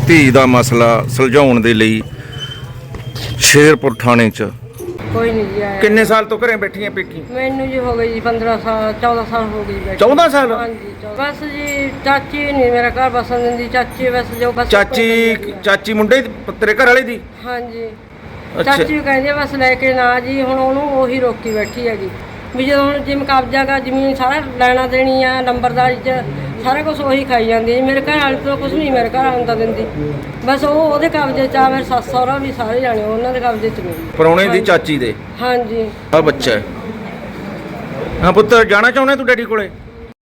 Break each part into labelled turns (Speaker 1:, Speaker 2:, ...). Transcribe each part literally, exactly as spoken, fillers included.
Speaker 1: धी दा मसला सुलझाउण दे लई शेरपुर थाणे च
Speaker 2: कोई नहीं जी आया।
Speaker 1: किन्ने साल तो घरें बैठी हैं पेकी?
Speaker 2: मैनू जी हो गई जी पंद्रह साल चौदह साल हो गई बैठी।
Speaker 1: चौदह साल?
Speaker 2: हाँ जी चौदह। बस जी चाची नहीं मेरा घर बसन दी चाची बस जो बस
Speaker 1: चाची चाची मुंडे दी- तेरे घर वाले दी?
Speaker 2: हाँ जी
Speaker 1: अच्छा।
Speaker 2: चाची कहती है बस लेके ना जी हुण ओनू ओही रोकी बैठी हैगी भी जो हुण जिम कब्जा गा जमीन सारा लैना देनी आ नंबरदारी च सारा कुछ ਉਹੀ ਖਾਈ ਜਾਂਦੀ ਹੈ। ਮੇਰੇ ਘਰ ਵਾਲੇ ਤੋਂ ਕੁਝ ਨਹੀਂ ਮੇਰੇ ਘਰ ਆਉਂਦਾ ਦਿੰਦੀ ਬਸ ਉਹ ਉਹਦੇ ਕਬਜ਼ੇ 'ਚ ਆ ਮੇਰੇ ਸੱਸ ਸਹੁਰਾ ਵੀ ਸਾਰੇ ਜਾਣੇ ਉਹਨਾਂ ਦੇ ਕਬਜ਼ੇ 'ਚ ਨੇ।
Speaker 1: ਪਰੌਣੇ ਦੀ ਚਾਚੀ ਦੇ?
Speaker 2: ਹਾਂਜੀ
Speaker 1: ਆ ਬੱਚਾ ਹੈ। ਹਾਂ ਪੁੱਤ ਜਾਣਾ ਚਾਹੁੰਦਾ ਤੂੰ ਡੈਡੀ ਕੋਲੇ?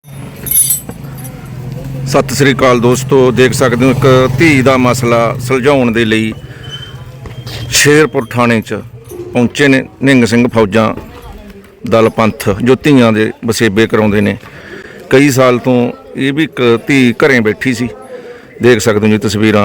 Speaker 1: ਸਤਿ ਸ੍ਰੀ ਅਕਾਲ ਦੋਸਤੋ, ਦੇਖ ਸਕਦੇ ਹੋ ਇੱਕ ਧੀ ਦਾ ਮਸਲਾ ਸੁਲਝਾਉਣ ਦੇ ਲਈ ਸ਼ੇਰਪੁਰ ਥਾਣੇ 'ਚ ਪਹੁੰਚੇ ਨੇ ਨਿੰਗ ਸਿੰਘ ਫੌਜਾਂ ਦਲ ਪੰਥ ਜੋ ਧੀਆਂ ਦੇ ਵਸੇਬੇ ਕਰਾਉਂਦੇ ਨੇ। ਕਈ ਸਾਲ ਤੋਂ ਇਹ ਵੀ ਇੱਕ ਧੀ ਘਰੇ ਬੈਠੀ ਸੀ, ਦੇਖ ਸਕਦੇ ਹੋ ਜੀ ਤਸਵੀਰਾਂ।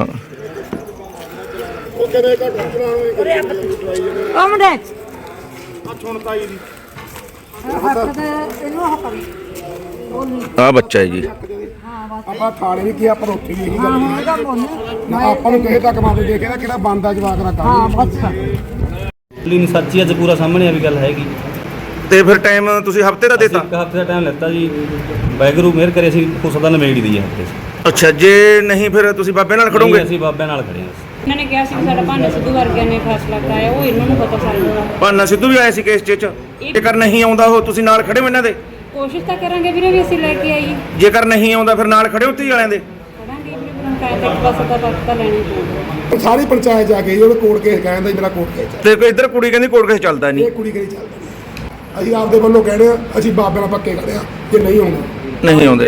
Speaker 1: ਆ ਬੱਚਾ ਹੈ ਜੀ।
Speaker 3: ਆਪਾਂ ਥਾਣੇ ਵੀ ਕੀ ਆਪਾਂ ਉੱਥੇ ਵੀ ਇਹੀ ਗੱਲ ਨਾ ਆਪਾਂ ਨੂੰ ਕਿਸੇ ਤੱਕ ਮਾਦੇ ਦੇਖੇ ਨਾ ਕਿਹੜਾ ਬੰਦਾ ਜਵਾਕ ਦਾ ਕੰਮ ਹਾਂ ਬਸ
Speaker 4: ਨਹੀਂ ਸੱਚੀ ਅੱਜ ਪੂਰਾ ਸਾਹਮਣੇ ਆ ਵੀ ਗੱਲ ਹੈਗੀ।
Speaker 1: ਤੇ ਫਿਰ ਟਾਈਮ ਤੁਸੀਂ ਹਫਤੇ ਦਾ ਦੇਤਾ?
Speaker 4: ਇੱਕ ਹਫਤੇ ਦਾ ਟਾਈਮ ਲੈਤਾ ਜੀ, ਵਾਹਿਗੁਰੂ ਮਿਹਰ ਕਰੇ ਅਸੀਂ ਉਸ ਦਾ ਨਿਬੇੜ ਦੀ ਹੈ ਹਫਤੇ 'ਚ।
Speaker 1: ਅੱਛਾ, ਜੇ ਨਹੀਂ ਫਿਰ ਤੁਸੀਂ ਬਾਬੇ ਨਾਲ ਖੜੋਗੇ?
Speaker 4: ਅਸੀਂ ਬਾਬਿਆਂ ਨਾਲ ਖੜੇ ਹਾਂ।
Speaker 5: ਇਹਨਾਂ ਨੇ ਕਿਹਾ ਸੀ ਕਿ ਸਾਡਾ ਭਾਨਾ ਸਿੱਧੂ ਵਰਗਿਆਂ ਨੇ ਫੈਸਲਾ ਕਰਾਇਆ, ਉਹ ਇਹਨਾਂ ਨੂੰ ਪਤਾ ਸਾਨੂੰ।
Speaker 1: ਭਾਨਾ ਸਿੱਧੂ ਵੀ ਆਇਆ ਸੀ ਕੇਸ 'ਚ? ਜੇਕਰ ਨਹੀਂ ਆਉਂਦਾ ਉਹ ਤੁਸੀਂ ਨਾਲ ਖੜੇ ਹੋ ਇਹਨਾਂ ਦੇ?
Speaker 5: ਕੋਸ਼ਿਸ਼ ਤਾਂ ਕਰਾਂਗੇ ਵੀਰੇ ਵੀ ਅਸੀਂ ਲੈ ਕੇ ਆਈਏ।
Speaker 1: ਜੇਕਰ ਨਹੀਂ ਆਉਂਦਾ ਫਿਰ ਨਾਲ ਖੜੇ ਹੋ ਧੀ ਵਾਲਿਆਂ ਦੇ?
Speaker 5: ਕਰਾਂਗੇ ਵੀਰੇ, ਪੰਚਾਇਤ ਤੱਕ ਬਸ ਦਾ ਵਕਤ ਤਾਂ ਲੈਣੀ ਪਊਗਾ।
Speaker 3: ਸਾਰੀ ਪੰਚਾਇਤ ਜਾ ਕੇ ਉਹਨੇ ਕੋਰਟ ਕੇਸ ਕਹਿੰਦਾ ਮੇਰਾ ਕੋਰਟ ਕੇਸ
Speaker 1: ਤੇ ਕੋਈ ਇੱਧਰ ਕੁੜੀ ਕਹਿੰਦੀ ਕੋਰਟ ਕੇਸ ਚੱਲਦਾ ਨਹੀਂ।
Speaker 3: ਇਹ ਕੁੜੀ ਕਰੀ ਚੱਲਦਾ ਨਹੀਂ। ਅਸੀਂ ਆਪਦੇ ਵੱਲੋਂ ਕਹਿੰਦੇ ਆ ਅਸੀਂ ਬਾਬੇ ਨਾਲ ਪੱਕੇ ਖੜੇ ਆ, ਜੇ ਨਹੀਂ ਆਉਂਦਾ
Speaker 1: ਨਹੀਂ ਆਉਂਦੇ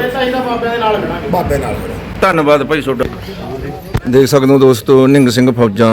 Speaker 3: ਬਾਬੇ ਨਾਲ ਖੜੇ।
Speaker 1: ਧੰਨਵਾਦ ਭਾਈ ਤੁਹਾਡਾ। ਦੇਖ ਸਕਦੇ ਹੋ ਦੋਸਤੋ, ਨਿੰਗ ਸਿੰਘ ਫੌਜਾਂ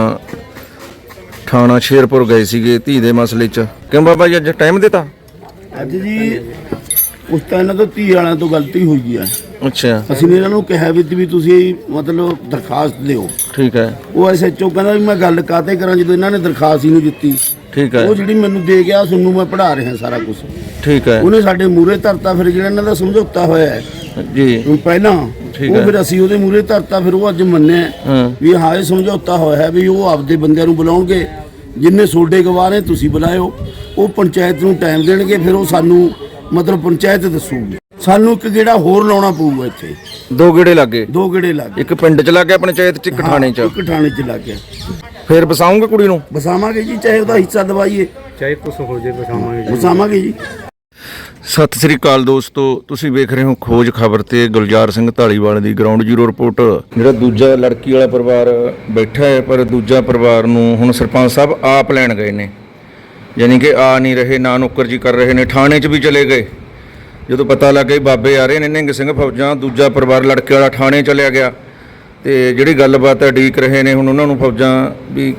Speaker 1: ਥਾਣਾ ਸ਼ੇਰਪੁਰ ਗਏ ਸੀਗੇ ਧੀ ਦੇ ਮਸਲੇ 'ਚ। ਕਿਉਂ ਬਾਬਾ ਜੀ ਅੱਜ ਟਾਈਮ ਦਿੱਤਾ?
Speaker 6: ਅੱਜ ਜੀ ਉਸ ਤਾਂ ਇਹਨਾਂ ਤੋਂ ਧੀ ਵਾਲਿਆਂ ਤੋਂ ਗਲਤੀ ਹੋਈ ਹੈ।
Speaker 1: ਅੱਛਾ
Speaker 6: ਅਸੀਂ ਨੇ ਇਹਨਾਂ ਨੂੰ ਕਿਹਾ ਵੀ ਵੀ ਤੁਸੀਂ ਮਤਲਬ ਦਰਖਾਸਤ ਦਿਓ।
Speaker 1: ਠੀਕ ਹੈ।
Speaker 6: ਉਹ ਐਸ ਐਚ ਓ ਕਹਿੰਦਾ ਵੀ ਮੈਂ ਗੱਲ ਕਾਤੇ ਕਰਾਂ ਜਦੋਂ ਇਹਨਾਂ ਨੇ ਦਰਖਾਸਤ ਹੀ ਨਹੀਂ ਦਿੱਤੀ।
Speaker 1: ਠੀਕ ਹੈ।
Speaker 6: ਉਹ ਜਿਹੜੀ ਮੈਨੂੰ ਦੇ ਗਿਆ ਤੁਹਾਨੂੰ ਮੈਂ ਪੜ੍ਹਾ ਰਿਹਾ ਸਾਰਾ ਕੁਝ।
Speaker 1: ਠੀਕ ਹੈ
Speaker 6: ਉਹਨੇ ਸਾਡੇ ਮੂਹਰੇ ਧਰਤਾ, ਫਿਰ ਜਿਹੜਾ ਇਹਨਾਂ ਦਾ ਸਮਝੌਤਾ ਹੋਇਆ ਹੈ
Speaker 1: ਜੀ
Speaker 6: ਹੁਣ ਪਹਿਲਾਂ
Speaker 1: ਠੀਕ
Speaker 6: ਉਹ
Speaker 1: ਹੈ।
Speaker 6: ਫਿਰ ਅਸੀਂ ਉਹਦੇ ਮੂਹਰੇ ਧਰਤਾ, ਫਿਰ ਉਹ ਅੱਜ ਮੰਨਿਆ
Speaker 1: ਹਾਂ
Speaker 6: ਵੀ ਹਾਂ ਇਹ ਸਮਝੌਤਾ ਹੋਇਆ ਹੈ ਵੀ ਉਹ ਆਪਦੇ ਬੰਦਿਆਂ ਨੂੰ ਬੁਲਾਉਣਗੇ, ਜਿੰਨੇ ਸੋਡੇ ਗਵਾਹ ਨੇ ਤੁਸੀਂ ਬੁਲਾਇਓ। ਉਹ ਪੰਚਾਇਤ ਨੂੰ ਟਾਈਮ ਦੇਣਗੇ, ਫਿਰ ਉਹ ਸਾਨੂੰ ਮਤਲਬ ਪੰਚਾਇਤ ਦੱਸੂਗੀ। ਸਾਨੂੰ ਇੱਕ ਗੇੜਾ ਹੋਰ ਲਾਉਣਾ ਪਊਗਾ ਇੱਥੇ।
Speaker 1: ਦੋ ਗੇੜੇ ਲੱਗੇ?
Speaker 6: ਦੋ ਗੇੜੇ ਲੱਗ ਗਏ।
Speaker 1: ਇੱਕ ਪਿੰਡ 'ਚ ਲੱਗ ਗਿਆ ਪੰਚਾਇਤ 'ਚ, ਇੱਕ ਥਾਣੇ 'ਚ।
Speaker 6: ਇੱਕ ਥਾਣੇ 'ਚ ਲੱਗ ਗਿਆ।
Speaker 1: ਫਿਰ ਬਸਾਉਂਗੇ ਕੁੜੀ ਨੂੰ?
Speaker 6: ਬਸਾਵਾਂਗੇ ਜੀ, ਚਾਹੇ ਉਹਦਾ ਹਿੱਸਾ ਦਵਾਈਏ
Speaker 4: ਚਾਹੇ ਕੁਛ ਹੋ ਜੇ ਬਸਾਵਾਂਗੇ
Speaker 6: ਬਸਾਵਾਂਗੇ ਜੀ।
Speaker 1: ਸਤਿ ਸ੍ਰੀ ਅਕਾਲ ਦੋਸਤੋ, ਤੁਸੀਂ ਵੇਖ ਰਹੇ ਹੋ ਖੋਜ ਖਬਰ ਤੇ ਗੁਲਜ਼ਾਰ ਸਿੰਘ ਢਾਲੀਵਾਲ ਦੀ ਗਰਾਊਂਡ ਜ਼ੀਰੋ ਰਿਪੋਰਟ। ਜਿਹੜਾ ਦੂਜਾ ਲੜਕੀ ਵਾਲਾ ਪਰਿਵਾਰ ਬੈਠਾ ਹੈ, ਪਰ ਦੂਜਾ ਪਰਿਵਾਰ ਨੂੰ ਹੁਣ ਸਰਪੰਚ ਸਾਹਿਬ ਆਪ ਲੈਣ ਗਏ ਨੇ, ਯਾਨੀ ਕਿ ਆ ਨਹੀਂ ਰਹੇ, ਨਾ ਨੌਕਰ ਜੀ ਕਰ ਰਹੇ ਨੇ। ਥਾਣੇ 'ਚ ਵੀ ਚਲੇ ਗਏ ਜਦੋਂ ਪਤਾ ਲੱਗ ਗਿਆ ਬਾਬੇ ਆ ਰਹੇ ਨੇ ਨਿੰਗ ਸਿੰਘ ਫੌਜਾਂ, ਦੂਜਾ ਪਰਿਵਾਰ ਲੜਕੇ ਵਾਲਾ ਥਾਣੇ ਚਲਿਆ ਗਿਆ। ਤੇ ਜਿਹੜੀ ਗੱਲਬਾਤ ਹੈ ਉਡੀਕ ਰਹੇ ਨੇ ਹੁਣ ਉਹਨਾਂ ਨੂੰ ਫੌਜਾਂ ਵੀ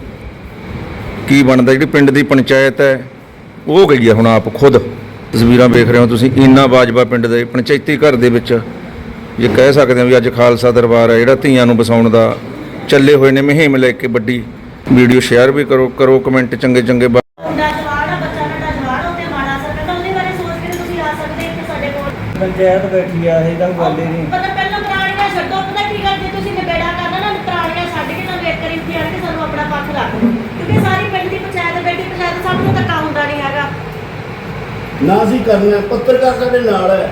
Speaker 1: ਕੀ ਬਣਦਾ। ਜਿਹੜੀ ਪਿੰਡ ਦੀ ਪੰਚਾਇਤ ਹੈ ਉਹ ਗਈ ਹੈ ਹੁਣ ਆਪ ਖੁਦ। ਤਸਵੀਰਾਂ ਵੇਖ ਰਹੇ ਹੋ ਤੁਸੀਂ, ਈਨਾ ਬਾਜਵਾ ਪਿੰਡ ਦੇ ਪੰਚਾਇਤੀ ਘਰ ਦੇ ਵਿੱਚ ਜੇ ਕਹਿ ਸਕਦੇ ਹਾਂ ਵੀ ਅੱਜ ਖਾਲਸਾ ਦਰਬਾਰ ਹੈ ਜਿਹੜਾ ਧੀਆਂ ਨੂੰ ਵਸਾਉਣ ਦਾ ਚੱਲੇ ਹੋਏ ਨੇ ਮੁਹਿੰਮ ਲੈ ਕੇ। ਵੱਡੀ ਵੀਡੀਓ ਸ਼ੇਅਰ ਵੀ ਕਰੋ ਕਰੋ ਕਮੈਂਟ ਚੰਗੇ ਚੰਗੇ।
Speaker 4: ਪੰਚਾਇਤ ਬੈਠੀ ਆ, ਇਹ ਤਾਂ ਗੱਲ ਹੀ ਨਹੀਂ।
Speaker 7: ਪਤਾ ਪਹਿਲਾਂ ਪੁਰਾਣੀਆਂ ਛੱਡੋ, ਪਤਾ ਕੀ ਗੱਲ ਜੇ ਤੁਸੀਂ ਨਿਬੇੜਾ ਕਰਨਾ ਨਾ ਪੁਰਾਣੀਆਂ ਛੱਡ ਕੇ ਤੁਹਾਨੂੰ ਇੱਕ ਵਾਰੀ ਇੱਥੇ ਆਣ ਕੇ ਸਾਨੂੰ ਆਪਣਾ ਪੱਖ ਰੱਖ ਦਿਓ, ਕਿਉਂਕਿ ਸਾਰੀ ਪਿੰਡ ਦੀ ਪੰਚਾਇਤ ਬੈਠੀ, ਪੰਚਾਇਤ ਸਭ ਨੂੰ ਧੱਕਾ ਹੁੰਦਾ ਨਹੀਂ ਹੈਗਾ
Speaker 6: ਨਾ ਅਸੀਂ ਕਰਨਾ, ਪੱਤਰਕਾਰ ਸਾਡੇ ਨਾਲ ਹੈ।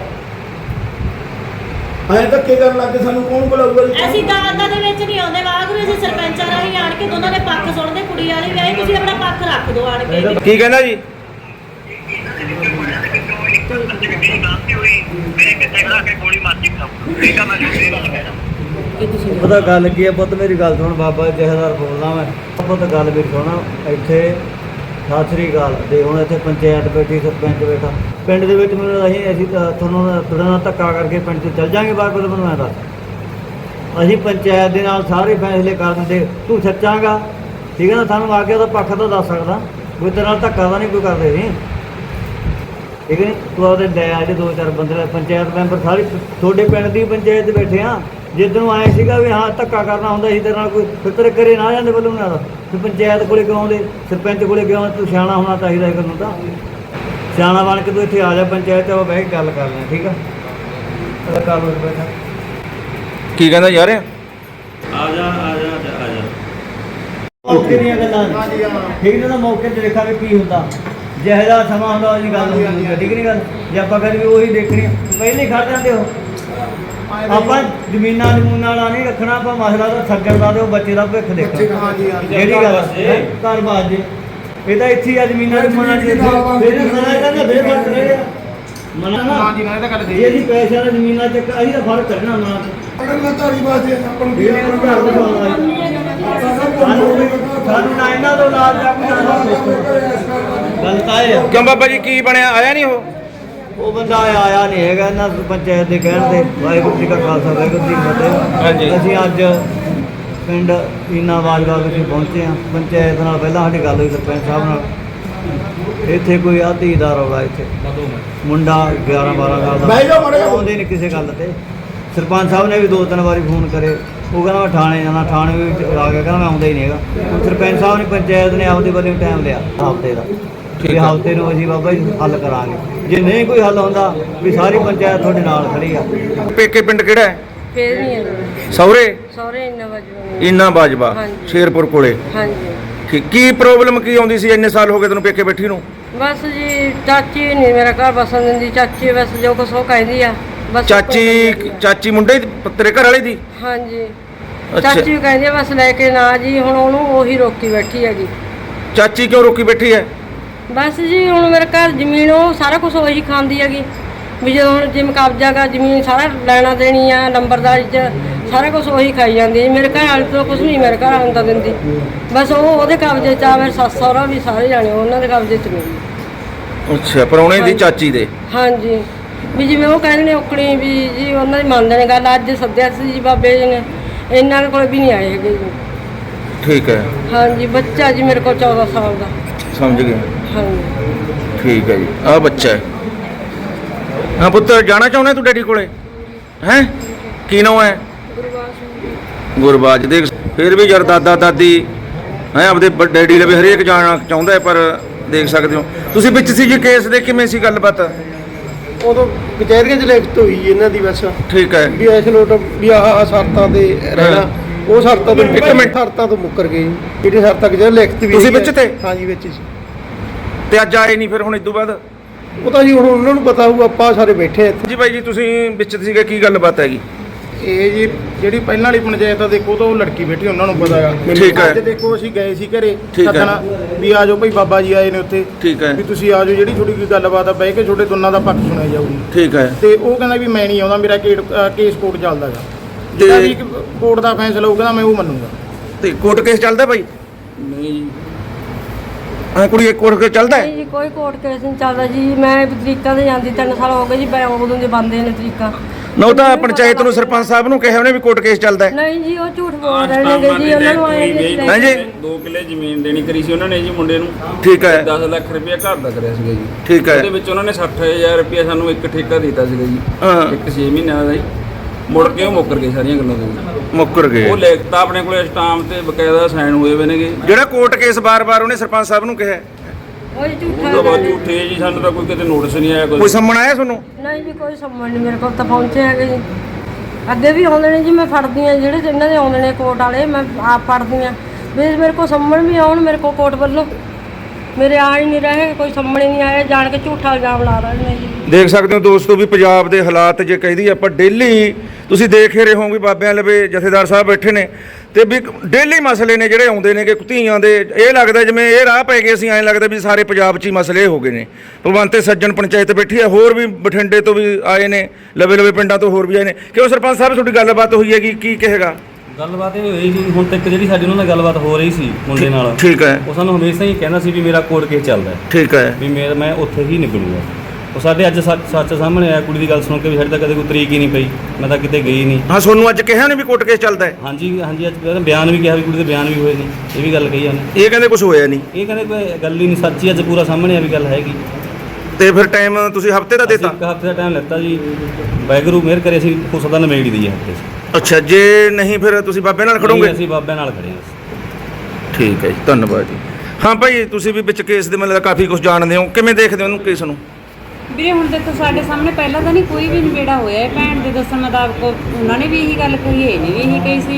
Speaker 6: ਐਂ ਧੱਕੇ ਕਰਨ ਲੱਗ ਕੇ ਸਾਨੂੰ ਕੌਣ ਬੁਲਾਊਗਾ ਜੀ?
Speaker 7: ਅਸੀਂ ਦਾਦਾ ਦੇ ਵਿੱਚ ਨਹੀਂ ਆਉਂਦੇ ਵਾਹਿਗੁਰੂ, ਅਸੀਂ ਸਰਪੰਚਾਂ ਰਾਹੀਂ ਆਣ ਕੇ ਦੋਨਾਂ ਦੇ ਪੱਖ ਸੁਣਦੇ, ਕੁੜੀ ਵਾਲੀ ਵੀ ਆਈ, ਤੁਸੀਂ ਆਪਣਾ ਪੱਖ ਰੱਖ ਦਿਓ ਆਣ ਕੇ।
Speaker 1: ਕੀ ਕਹਿੰਦਾ ਜੀ?
Speaker 4: ਪਤਾ ਗੱਲ ਕੀ ਹੈ ਪੁੱਤ, ਮੇਰੀ ਗੱਲ ਸੁਣ। ਬਾਬਾ ਜਹੇਦਾਰ ਬੋਲਦਾ ਮੈਂ। ਪੁੱਤ ਗੱਲ ਵੀ ਸੁਣਾ ਇੱਥੇ। ਸਤਿ ਸ੍ਰੀ ਅਕਾਲ। ਦੇ ਹੁਣ ਇੱਥੇ ਪੰਚਾਇਤ ਬੈਠੀ, ਸਰਪੰਚ ਬੈਠਾ ਪਿੰਡ ਦੇ ਵਿੱਚ। ਮੈਨੂੰ ਅਸੀਂ ਅਸੀਂ ਤਾਂ ਤੁਹਾਨੂੰ ਤੁਹਾਡੇ ਨਾਲ ਧੱਕਾ ਕਰਕੇ ਪਿੰਡ 'ਚ ਚੱਲ ਜਾਵਾਂਗੇ ਬਾਹਰ। ਕੋਲ ਮੈਨੂੰ ਐਂ ਦੱਸ, ਅਸੀਂ ਪੰਚਾਇਤ ਦੇ ਨਾਲ ਸਾਰੇ ਫੈਸਲੇ ਕਰ ਦਿੰਦੇ। ਤੂੰ ਸੱਚਾਂਗਾ ਠੀਕ ਹੈ ਨਾ, ਸਾਨੂੰ ਆ ਕੇ ਉਹਦਾ ਪੱਖ ਤਾਂ ਦੱਸ ਸਕਦਾ। ਕੋਈ ਤੇਰੇ ਨਾਲ ਧੱਕਾ ਤਾਂ ਨਹੀਂ ਕੋਈ ਕਰਦੇ ਨਹੀਂ, ਠੀਕ ਹੈ ਨੀ? ਤੂੰ ਉਹਦੇ ਲੈ ਆ ਜੇ ਦੋ ਚਾਰ ਬੰਦੇ ਪੰਚਾਇਤ ਮੈਂਬਰ ਸਾਰੇ ਤੁਹਾਡੇ ਪਿੰਡ ਦੀ ਪੰਚਾਇਤ ਬੈਠੇ ਆ। ਜਿੱਦਣ ਆਏ ਸੀਗਾ ਵੀ ਹਾਂ ਧੱਕਾ ਕਰਨਾ ਹੁੰਦਾ ਸੀ ਤੇਰੇ ਨਾਲ, ਕੋਈ ਫਿੱਤਰ ਕਰੇ ਨਾ ਜਾਂਦੇ ਵੱਲੋਂ ਨਾਲ। ਫਿਰ ਪੰਚਾਇਤ ਕੋਲੇ ਕਿਉਂ ਆਉਂਦੇ, ਸਰਪੰਚ ਕੋਲੇ ਕਿਉਂ ਆਉਂਦੇ? ਤੂੰ ਸਿਆਣਾ ਹੋਣਾ ਚਾਹੀਦਾ ਇਹ ਨੂੰ ਤਾਂ। ਸਿਆਣਾ ਬਣ ਕੇ ਤੂੰ ਇੱਥੇ ਆ ਜਾ ਪੰਚਾਇਤ 'ਚ, ਬਹਿ ਕੇ ਗੱਲ ਕਰ ਲੈ, ਠੀਕ ਆ? ਕਰ ਲਓ ਬੈਠਾ।
Speaker 1: ਕੀ ਕਹਿੰਦਾ ਯਾਰ?
Speaker 8: ਆ ਜਾ ਆ ਜਾ ਆ ਜਾ
Speaker 4: ਮੌਕੇ ਦੀਆਂ ਗੱਲਾਂ ਠੀਕ ਨਾ, ਮੌਕੇ ਤੇ ਦੇਖਾਂਗੇ ਕੀ ਹੁੰਦਾ। ਜਿਹੋ ਜਿਹਾ ਸਮਾਂ ਹੁੰਦਾ ਉਹਦੀ ਗੱਲ ਹੁੰਦੀ ਹੈ, ਠੀਕ ਨਹੀਂ ਗੱਲ। ਜੇ ਆਪਾਂ ਕਦੇ ਵੀ ਉਹੀ ਦੇਖਣੀ ਪਹਿਲੇ ਹੀ ਖੜ ਜਾਂਦੇ ਹੋ। ਆਪਾਂ ਜ਼ਮੀਨਾਂ ਜ਼ਮੂਨਾਂ ਵਾਲਾ ਨਹੀਂ ਰੱਖਣਾ, ਆਪਾਂ ਮਸਲਾ ਤਾਂ ਸੱਜਣ ਦਾ ਤੇ ਉਹ ਬੱਚੇ ਦਾ ਭਵਿੱਖ ਦੇਖਣਾ। ਜਿਹੜੀ ਗੱਲ ਹੈ ਘਰ ਬਾਜ ਜੇ ਇਹ ਤਾਂ ਇੱਥੇ ਆ ਜ਼ਮੀਨਾਂ ਜ਼ਮੂਨਾਂ ਚ ਫਿਰ ਮਨਾ ਕਰਨਾ ਫਿਰ ਫਰਕ ਰਹੇਗਾ। ਮਨਾ ਨਾ ਹਾਂਜੀ ਨਾ ਇਹ ਤਾਂ ਗੱਲ ਸਹੀ ਹੈ ਜੀ। ਪੈਸਿਆਂ ਦਾ ਜ਼ਮੀਨਾਂ ਚ ਅਸੀਂ ਤਾਂ ਫਰਕ ਕੱਢਣਾ ਮਨਾ
Speaker 3: ਅਗਰ ਮੈਂ ਧਾਰੀ ਬਾਤ ਹੈ ਆਪਾਂ ਨੂੰ ਕੀ
Speaker 4: ਇਹਨੇ ਨੂੰ ਘਰ ਦਿਖਾਉਣਾ ਸਾਨੂੰ ਨਾ ਇਹਨਾਂ ਤੋਂ ਨਾਲ ਜਾ ਕੇ ਗੱਲ ਤਾਂ ਇਹ ਆ।
Speaker 1: ਕਿਉਂ ਬਾਬਾ ਜੀ ਕੀ ਬਣਿਆ, ਆਇਆ ਨਹੀਂ ਉਹ?
Speaker 4: ਉਹ ਬੰਦਾ ਆਇਆ ਨਹੀਂ ਹੈਗਾ ਇਹਨਾਂ ਪੰਚਾਇਤ ਦੇ ਕਹਿਣ ਤੇ। ਵਾਹਿਗੁਰੂ ਜੀ ਕਾ ਖਾਲਸਾ ਵਾਹਿਗੁਰੂ ਜੀ ਕੀ ਫਤਿਹ।
Speaker 1: ਹਾਂਜੀ।
Speaker 4: ਅਸੀਂ ਅੱਜ ਪਿੰਡ ਇਨਾ ਬਾਜਵਾ ਵਿਖੇ ਪਹੁੰਚੇ ਹਾਂ। ਪੰਚਾਇਤ ਨਾਲ ਪਹਿਲਾਂ ਸਾਡੀ ਗੱਲ ਹੋਈ ਸਰਪੰਚ ਸਾਹਿਬ ਨਾਲ। ਇੱਥੇ ਕੋਈ ਆਧੀ ਦਾ ਰੌਲਾ, ਇੱਥੇ ਮੁੰਡਾ ਗਿਆਰਾਂ ਬਾਰਾਂ ਸਾਲ ਦਾ ਆਉਂਦੇ ਨਹੀਂ ਕਿਸੇ ਗੱਲ ਤੇ। ਸਰਪੰਚ ਸਾਹਿਬ ਨੇ ਵੀ ਦੋ ਤਿੰਨ ਵਾਰੀ ਫੋਨ ਕਰੇ, ਉਹ ਕਹਿੰਦਾ ਮੈਂ ਥਾਣੇ ਜਾਣਾ, ਥਾਣੇ ਵੀ ਆ ਗਿਆ, ਕਹਿੰਦਾ ਮੈਂ ਆਉਂਦਾ ਹੀ ਨਹੀਂ ਹੈਗਾ। ਸਰਪੰਚ ਸਾਹਿਬ ਨੇ ਪੰਚਾਇਤ ਨੇ ਆਪਦੇ ਵੱਲੋਂ ਟਾਈਮ ਲਿਆ ਹਫ਼ਤੇ ਦਾ, ਵੀ ਹਫ਼ਤੇ ਨੂੰ ਅਸੀਂ ਬਾਬਾ ਜੀ ਹੱਲ ਕਰਾਂਗੇ। ਜੇ ਨਹੀਂ ਕੋਈ ਹੱਲ ਹੁੰਦਾ ਵੀ ਸਾਰੀ ਪੰਚਾਇਤ ਤੁਹਾਡੇ ਨਾਲ ਖੜੀ ਆ।
Speaker 1: ਪੇਕੇ ਪਿੰਡ ਕਿਹੜਾ ਹੈ?
Speaker 2: ਫੇਰ ਨਹੀਂ ਹੈ
Speaker 1: ਸਹੁਰੇ
Speaker 2: ਸਹੁਰੇ ਇੰਨਾ ਵਜੋਂ
Speaker 1: ਇਨਾ ਬਾਜਵਾ
Speaker 2: ਹਾਂਜੀ।
Speaker 1: ਸ਼ੇਰਪੁਰ ਕੋਲੇ।
Speaker 2: ਹਾਂਜੀ
Speaker 1: ਠੀਕ। ਕੀ ਪ੍ਰੋਬਲਮ ਕੀ ਆਉਂਦੀ ਸੀ, ਇੰਨੇ ਸਾਲ ਹੋ ਗਏ ਤੈਨੂੰ ਪੇਕੇ ਬੈਠੀ ਨੂੰ?
Speaker 2: ਬਸ ਜੀ ਚਾਚੀ ਨਹੀਂ ਮੇਰਾ ਘਰ ਬਸਣ ਦਿੰਦੀ। ਚਾਚੀ ਬਸ ਜੋ ਕੁਛ ਉਹ ਕਹਿੰਦੀ ਆ ਬਸ।
Speaker 1: ਚਾਚੀ ਚਾਚੀ ਮੁੰਡੇ ਦੀ, ਤੇਰੇ ਘਰ ਵਾਲੇ ਦੀ?
Speaker 2: ਹਾਂਜੀ
Speaker 1: ਅੱਛਾ।
Speaker 2: ਚਾਚੀ ਕਹਿੰਦੀ ਆ ਬਸ ਲੈ ਕੇ ਨਾ ਜੀ, ਹੁਣ ਉਹਨੂੰ ਉਹੀ ਰੋਕੀ ਬੈਠੀ ਹੈਗੀ।
Speaker 1: ਚਾਚੀ ਕਿਉਂ ਰੋਕੀ ਬੈਠੀ ਹੈ?
Speaker 2: ਬਸ ਜੀ ਹੁਣ ਮੇਰੇ ਘਰ ਜ਼ਮੀਨ ਉਹ ਸਾਰਾ ਕੁਝ ਉਹੀ ਖਾਂਦੀ ਹੈਗੀ। ਵੀ ਜਦੋਂ ਹੁਣ ਜਿਮ ਕਬਜ਼ਾ ਗਾ ਜ਼ਮੀਨ ਸਾਰਾ ਲੈਣਾ ਦੇਣੀ ਆ ਨੰਬਰਦਾਰੀ 'ਚ ਸਾਰਾ ਕੁਝ ਉਹੀ ਖਾਈ ਜਾਂਦੀ ਹੈ। ਮੇਰੇ ਘਰ ਵਾਲੇ ਤੋਂ ਕੁਝ ਨਹੀਂ ਮੇਰੇ ਘਰ ਵਾਲੇ ਨੂੰ ਤਾਂ ਦਿੰਦੀ। ਬਸ ਉਹ ਉਹਦੇ ਕਬਜ਼ੇ 'ਚ ਆ। ਮੇਰੇ ਸੱਸ ਸਹੁਰਾ ਵੀ ਸਾਰੇ ਜਾਣੇ ਉਹਨਾਂ ਦੇ ਕਬਜ਼ੇ 'ਚ ਨਹੀਂ।
Speaker 1: ਅੱਛਾ, ਪ੍ਰਾਹੁਣੇ ਦੀ ਚਾਚੀ ਦੇ?
Speaker 2: ਹਾਂਜੀ। ਵੀ ਜਿਵੇਂ ਉਹ ਕਹਿੰਦੇ ਨੇ ਔਕੜੀ ਵੀ ਜੀ ਉਹਨਾਂ ਦੀ ਮੰਨਦੇ ਨੇ ਗੱਲ। ਅੱਜ ਸੱਦਿਆ ਸੀ ਜੀ ਬਾਬੇ ਜੀ ਨੇ, ਇਹਨਾਂ ਦੇ ਕੋਲ ਵੀ ਨਹੀਂ ਆਏ ਹੈਗੇ ਜੀ।
Speaker 1: ਠੀਕ ਹੈ।
Speaker 2: ਹਾਂਜੀ ਬੱਚਾ ਜੀ ਮੇਰੇ ਕੋਲ ਚੌਦਾਂ ਸਾਲ ਦਾ।
Speaker 1: ਸਮਝ ਗਿਆ।
Speaker 2: ਹਾਂਜੀ
Speaker 1: ਠੀਕ ਹੈ ਜੀ। ਆਹ ਬੱਚਾ ਹੈ। ਹਾਂ ਪੁੱਤ, ਜਾਣਾ ਚਾਹੁੰਦਾ ਤੂੰ ਡੈਡੀ ਕੋਲੇ? ਹੈ ਕੀ ਨਾਮ ਹੈ? ਗੁਰਬਾਜ। ਦੇਖ ਫਿਰ ਵੀ ਯਾਰ ਦਾਦਾ ਦਾਦੀ ਹੈ ਆਪਦੇ ਬ- ਡੈਡੀ ਲਵੇ ਹਰੇਕ ਜਾਣਾ ਚਾਹੁੰਦਾ ਹੈ, ਪਰ ਦੇਖ ਸਕਦੇ ਹੋ ਤੁਸੀਂ ਵਿੱਚ ਸੀ ਜੀ ਕੇਸ ਦੇ, ਕਿਵੇਂ ਸੀ ਗੱਲਬਾਤ?
Speaker 9: ਉਦੋਂ ਕਚਹਿਰੀਆਂ 'ਚ ਲਿਖਤ ਹੋਈ ਇਹਨਾਂ ਦੀ ਬਸ
Speaker 1: ਠੀਕ ਹੈ।
Speaker 9: ਵੀ ਇਸ ਲੋਟ ਵੀ ਆਹ ਆਹ ਸ਼ਰਤਾਂ ਤੇ ਰਹਿਣਾ। ਉਹ ਸ਼ਰਤਾਂ ਤੋਂ
Speaker 1: ਇੱਕ ਮਿੰਟ।
Speaker 9: ਸ਼ਰਤਾਂ ਤੋਂ ਮੁੱਕਰ ਗਏ ਜੀ। ਜਿਹੜੀ ਸ਼ਰਤਾਂ ਕਚਹਿਰੀ ਲਿਖਤ ਵੀ
Speaker 1: ਤੁਸੀਂ
Speaker 9: ਹੈਗੀ
Speaker 1: ਵਿੱਚ
Speaker 9: ਹੈ।
Speaker 1: ਤੇ?
Speaker 9: ਹਾਂਜੀ ਵਿੱਚ ਸੀ।
Speaker 1: ਤੇ ਅੱਜ ਆਏ ਨਹੀਂ ਫਿਰ ਹੁਣ ਇਦੋਂ ਬਾਅਦ?
Speaker 9: ਉਹ ਤਾਂ ਜੀ ਹੁਣ ਉਹਨਾਂ ਨੂੰ ਪਤਾ ਹੋਊ, ਆਪਾਂ ਸਾਰੇ ਬੈਠੇ ਆ ਇੱਥੇ।
Speaker 1: ਜੀ ਬਾਈ ਜੀ ਤੁਸੀਂ ਵਿੱਚ ਸੀਗੇ, ਕੀ ਗੱਲਬਾਤ ਹੈਗੀ?
Speaker 10: ਇਹ ਜੀ ਜਿਹੜੀ ਪਹਿਲਾਂ ਵਾਲੀ ਪੰਚਾਇਤ ਆ ਦੇਖੋ ਤਾਂ ਉਹ ਲੜਕੀ ਬੈਠੀ ਉਹਨਾਂ ਨੂੰ ਪਤਾ ਹੈਗਾ।
Speaker 1: ਠੀਕ ਹੈ।
Speaker 10: ਅੱਜ ਦੇਖੋ ਅਸੀਂ ਗਏ ਸੀ ਘਰੇ
Speaker 1: ਠੀਕ ਹੈ।
Speaker 10: ਸੱਦਣਾ ਵੀ ਆ ਜਾਓ ਭਾਈ ਬਾਬਾ ਜੀ ਆਏ ਨੇ ਉੱਥੇ,
Speaker 1: ਠੀਕ ਹੈ।
Speaker 10: ਵੀ ਤੁਸੀਂ ਆ ਜਾਓ, ਜਿਹੜੀ ਤੁਹਾਡੀ ਕੋਈ ਗੱਲਬਾਤ ਆ ਬਹਿ ਕੇ ਤੁਹਾਡੇ ਦੋਨਾਂ ਦਾ ਪੱਖ ਸੁਣਿਆ ਜਾਊਗੀ।
Speaker 1: ਠੀਕ ਹੈ।
Speaker 10: ਤੇ ਉਹ ਕਹਿੰਦਾ ਵੀ ਮੈਂ ਨਹੀਂ ਆਉਂਦਾ, ਮੇਰਾ ਕੇਟ- ਅ, ਕੇਸ ਕੋਰਟ ਚੱਲਦਾ ਹੈਗਾ। ਜਿਹੜਾ ਵੀ ਕੋਰਟ ਦਾ ਫੈਸਲਾ ਹੋਊਗਾ ਮੈਂ ਉਹ ਮੰਨੂਗਾ।
Speaker 1: ਤੇ ਕੋਰਟ ਕੇਸ ਚੱਲਦਾ ਭਾਈ?
Speaker 10: ਨਹੀਂ ਜੀ
Speaker 1: ਹਾਂ ਕੁੜੀ, ਇੱਕ ਕੋਰਟ ਕੇਸ ਚੱਲਦਾ ਹੈ?
Speaker 2: ਨਹੀਂ ਜੀ ਕੋਈ ਕੋਰਟ ਕੇਸ ਨਹੀਂ ਚੱਲਦਾ ਜੀ। ਮੈਂ ਤਰੀਕਾ ਤੇ ਜਾਂਦੀ ਤਿੰਨ ਸਾਲ ਹੋ ਗਏ ਜੀ। ਮੈਂ ਉਦੋਂ ਦੇ ਬੰਦੇ ਨੇ ਤਰੀਕਾ।
Speaker 1: ਨਾ ਉਹ ਤਾਂ ਪੰਚਾਇਤ ਨੂੰ ਸਰਪੰਚ ਸਾਹਿਬ ਨੂੰ ਕਿਹਾ ਉਹਨੇ ਵੀ ਕੋਰਟ ਕੇਸ ਚੱਲਦਾ ਹੈ।
Speaker 2: ਨਹੀਂ ਜੀ ਉਹ ਝੂਠ ਬੋਲ ਰਹੇ ਨੇਗੇ ਜੀ। ਉਹਨਾਂ ਨੂੰ ਆਏ ਜੀ
Speaker 1: ਹਾਂ ਜੀ।
Speaker 8: ਦੋ ਕਿੱਲੇ ਜ਼ਮੀਨ ਦੇਣੀ ਕਰੀ ਸੀ ਉਹਨਾਂ ਨੇ ਜੀ ਮੁੰਡੇ ਨੂੰ।
Speaker 1: ਠੀਕ ਹੈ।
Speaker 8: ਦਸ ਲੱਖ ਰੁਪਇਆ ਘਰ ਦਾ ਕਰਿਆ ਸੀਗਾ ਜੀ।
Speaker 1: ਠੀਕ ਹੈ।
Speaker 8: ਉਹਦੇ ਵਿੱਚ ਉਹਨਾਂ ਨੇ ਸੱਠ ਹਜ਼ਾਰ ਰੁਪਇਆ ਸਾਨੂੰ ਇੱਕ ਠੇਕਾ ਦਿੱਤਾ ਸੀਗਾ ਜੀ।
Speaker 1: ਹਾਂ।
Speaker 8: ਇੱਕ ਛੇ ਮਹੀਨਿਆਂ ਦਾ ਜੀ। ਮੁੜ ਕੇ ਉਹ ਮੁੱਕਰ ਗਏ ਸਾਰੀਆਂ ਗੱਲਾਂ ਤੋਂ।
Speaker 1: ਮੁੱਕਰ ਗਏ।
Speaker 8: ਉਹ ਲਿਖਤਾ ਆਪਣੇ ਕੋਲੇ ਸਟਾਂਪ ਤੇ ਬਕਾਇਦਾ ਸਾਈਨ ਹੋਏ ਹੋਏ ਨੇਗੇ।
Speaker 1: ਜਿਹੜਾ ਕੋਰਟ ਕੇਸ ਬਾਰ-ਬਾਰ ਉਹਨੇ ਸਰਪੰਚ ਸਾਹਿਬ ਨੂੰ ਕਿਹਾ,
Speaker 2: ਉਹ ਜੀ
Speaker 8: ਉਹ ਤਾਂ
Speaker 2: ਝੂਠਾ
Speaker 8: ਬਹੁਤ ਝੂਠੇ ਜੀ, ਸਾਨੂੰ ਤਾਂ ਕੋਈ ਕਿਤੇ ਨੋਟਿਸ ਨਹੀਂ ਆਇਆ
Speaker 1: ਕੋਈ
Speaker 8: ਕੋਈ।
Speaker 1: ਸੰਮਣ ਆਇਆ ਤੁਹਾਨੂੰ?
Speaker 2: ਨਹੀਂ ਜੀ ਕੋਈ ਸੰਬੰਧ ਨਹੀਂ ਮੇਰੇ ਕੋਲ ਤਾਂ ਪਹੁੰਚੇ ਹੈਗੇ ਜੀ। ਅੱਗੇ ਵੀ ਆਉਂਦੇ ਨੇ ਜੀ। ਮੈਂ ਫੜਦੀ ਹਾਂ ਜਿਹੜੇ ਇਹਨਾਂ ਦੇ ਆਉਂਦੇ ਨੇ ਕੋਰਟ ਵਾਲੇ, ਮੈਂ ਆਪ ਫੜਦੀ ਹਾਂ ਵੀ ਮੇਰੇ ਕੋਲ ਸੰਮਣ ਵੀ ਆਉਣ ਮੇਰੇ ਕੋਲ ਕੋਰਟ ਵੱਲੋਂ। ਮੇਰੇ ਆ ਹੀ ਨਹੀਂ ਰਹੇ, ਕੋਈ ਸੰਮਣ ਹੀ ਨਹੀਂ ਆਇਆ। ਜਾਣ ਕੇ ਝੂਠਾ ਇਲਜ਼ਾਮ ਲਾ ਰਹੇ ਨੇ ਜੀ।
Speaker 1: ਦੇਖ ਸਕਦੇ ਹੋ ਦੋਸਤੋ ਵੀ ਪੰਜਾਬ ਦੇ ਹਾਲਾਤ ਜੇ ਕਹੀਦੀ ਆਪਾਂ ਡੇਲੀ ਤੁਸੀਂ ਦੇਖ ਹੀ ਰਹੇ ਹੋ ਵੀ ਬਾਬਿਆਂ ਲਵੇ ਜਥੇਦਾਰ ਸਾਹਿਬ ਬੈਠੇ ਨੇ ਤੇ ਵੀ ਡੇਲੀ ਮਸਲੇ ਨੇ ਜਿਹੜੇ ਆਉਂਦੇ ਨੇ ਕਿ ਧੀਆਂ ਦੇ। ਇਹ ਲੱਗਦਾ ਜਿਵੇਂ ਇਹ ਰਾਹ ਪੈ ਗਏ, ਅਸੀਂ ਐਂ ਲੱਗਦਾ ਵੀ ਸਾਰੇ ਪੰਜਾਬ 'ਚ ਹੀ ਮਸਲੇ ਹੋ ਗਏ ਨੇ। ਭਗਵੰਤ ਸੱਜਣ ਪੰਚਾਇਤ ਬੈਠੀ ਹੈ, ਹੋਰ ਵੀ ਬਠਿੰਡੇ ਤੋਂ ਵੀ ਆਏ ਨੇ, ਲਵੇ ਲਵੇ ਪਿੰਡਾਂ ਤੋਂ ਹੋਰ ਵੀ ਆਏ ਨੇ। ਕਿਉਂ ਸਰਪੰਚ ਸਾਹਿਬ ਤੁਹਾਡੀ ਗੱਲਬਾਤ ਹੋਈ ਹੈਗੀ, ਕੀ ਕਹੇਗਾ?
Speaker 11: ਗੱਲਬਾਤ ਇਹ ਹੋਈ ਜੀ ਹੁਣ ਤੱਕ ਜਿਹੜੀ ਸਾਡੀ ਉਹਨਾਂ ਨਾਲ ਗੱਲਬਾਤ ਹੋ ਰਹੀ ਸੀ ਮੁੰਡੇ ਨਾਲ।
Speaker 1: ਠੀਕ ਹੈ।
Speaker 11: ਉਹ ਸਾਨੂੰ ਹਮੇਸ਼ਾ ਹੀ ਕਹਿੰਦਾ ਸੀ ਵੀ ਮੇਰਾ ਕੋਰਟ ਕੇਸ ਚੱਲਦਾ ਹੈ।
Speaker 1: ਠੀਕ ਹੈ।
Speaker 11: ਵੀ ਮੇਰਾ ਮੈਂ ਉੱਥੇ ਹੀ ਨਿਕਲੂਗਾ। ਉਹ ਸਾਡੇ ਅੱਜ ਸੱਚ ਸੱਚ ਸਾਹਮਣੇ ਆਇਆ, ਕੁੜੀ ਦੀ ਗੱਲ ਸੁਣ ਕੇ ਵੀ ਸਾਡੇ ਤਾਂ ਕਦੇ ਕੋਈ ਤਰੀਕ ਹੀ ਨਹੀਂ ਪਈ, ਮੈਂ ਤਾਂ ਕਿਤੇ ਗਈ ਨਹੀਂ।
Speaker 1: ਹਾਂ ਤੁਹਾਨੂੰ ਅੱਜ ਕਿਹਾ ਨਹੀਂ ਵੀ ਕੋਰਟ ਕੇਸ ਚੱਲਦਾ ਹੈ?
Speaker 11: ਹਾਂਜੀ ਹਾਂਜੀ, ਅੱਜ ਬਿਆਨ ਵੀ ਕਿਹਾ ਵੀ ਕੁੜੀ ਦੇ ਬਿਆਨ ਵੀ ਹੋਏ ਨੇ, ਇਹ ਵੀ ਗੱਲ ਕਹੀ ਉਹਨੇ।
Speaker 1: ਇਹ ਕਹਿੰਦੇ ਕੁਝ ਹੋਇਆ ਨਹੀਂ?
Speaker 11: ਇਹ ਕਹਿੰਦੇ ਕੋਈ ਗੱਲ ਹੀ ਨਹੀਂ, ਸੱਚੀ ਅੱਜ ਪੂਰਾ ਸਾਹਮਣੇ ਆ ਵੀ ਗੱਲ ਹੈਗੀ।
Speaker 1: ਤੇ ਫਿਰ ਟਾਈਮ ਤੁਸੀਂ ਹਫਤੇ ਦਾ ਦਿੱਤਾ?
Speaker 11: ਇੱਕ ਹਫ਼ਤੇ ਦਾ ਟਾਈਮ ਲਿੱਤਾ ਜੀ। ਵਾਹਿਗੁਰੂ ਮਿਹਰ ਕਰੇ ਅਸੀਂ ਹੋ ਸਕਦਾ ਨਿਬੇੜ ਦੀ ਹੈ ਹਫ਼ਤੇ 'ਚ।
Speaker 1: ਅੱਛਾ, ਜੇ ਨਹੀਂ ਫਿਰ ਤੁਸੀਂ ਬਾਬੇ ਨਾਲ ਖੜੋਗੇ?
Speaker 11: ਅਸੀਂ ਬਾਬੇ ਨਾਲ ਖੜੇ ਹਾਂ।
Speaker 1: ਠੀਕ ਹੈ ਜੀ, ਧੰਨਵਾਦ ਜੀ। ਹਾਂ ਭਾਈ ਤੁਸੀਂ ਵੀ ਵਿੱਚ ਕੇਸ ਦੇ ਮਤਲਬ ਕਾਫੀ ਕੁਝ ਜਾਣਦੇ ਹੋ, ਕਿਵੇਂ ਦੇਖਦੇ ਹੋ ਉਹਨੂੰ ਕੇਸ ਨੂੰ?
Speaker 5: ਵੀਰੇ ਹੁਣ ਤੱਕ ਸਾਡੇ ਸਾਹਮਣੇ ਪਹਿਲਾਂ ਤਾਂ ਨਹੀਂ ਕੋਈ ਵੀ ਨਿਬੇੜਾ ਹੋਇਆ ਹੈ। ਭੈਣ ਦੇ ਦੱਸਣ ਮੁਤਾਬਕ ਉਹਨਾਂ ਨੇ ਵੀ ਇਹੀ ਗੱਲ ਕਹੀ, ਇਹਨੇ ਵੀ ਇਹੀ ਕਹੀ ਸੀ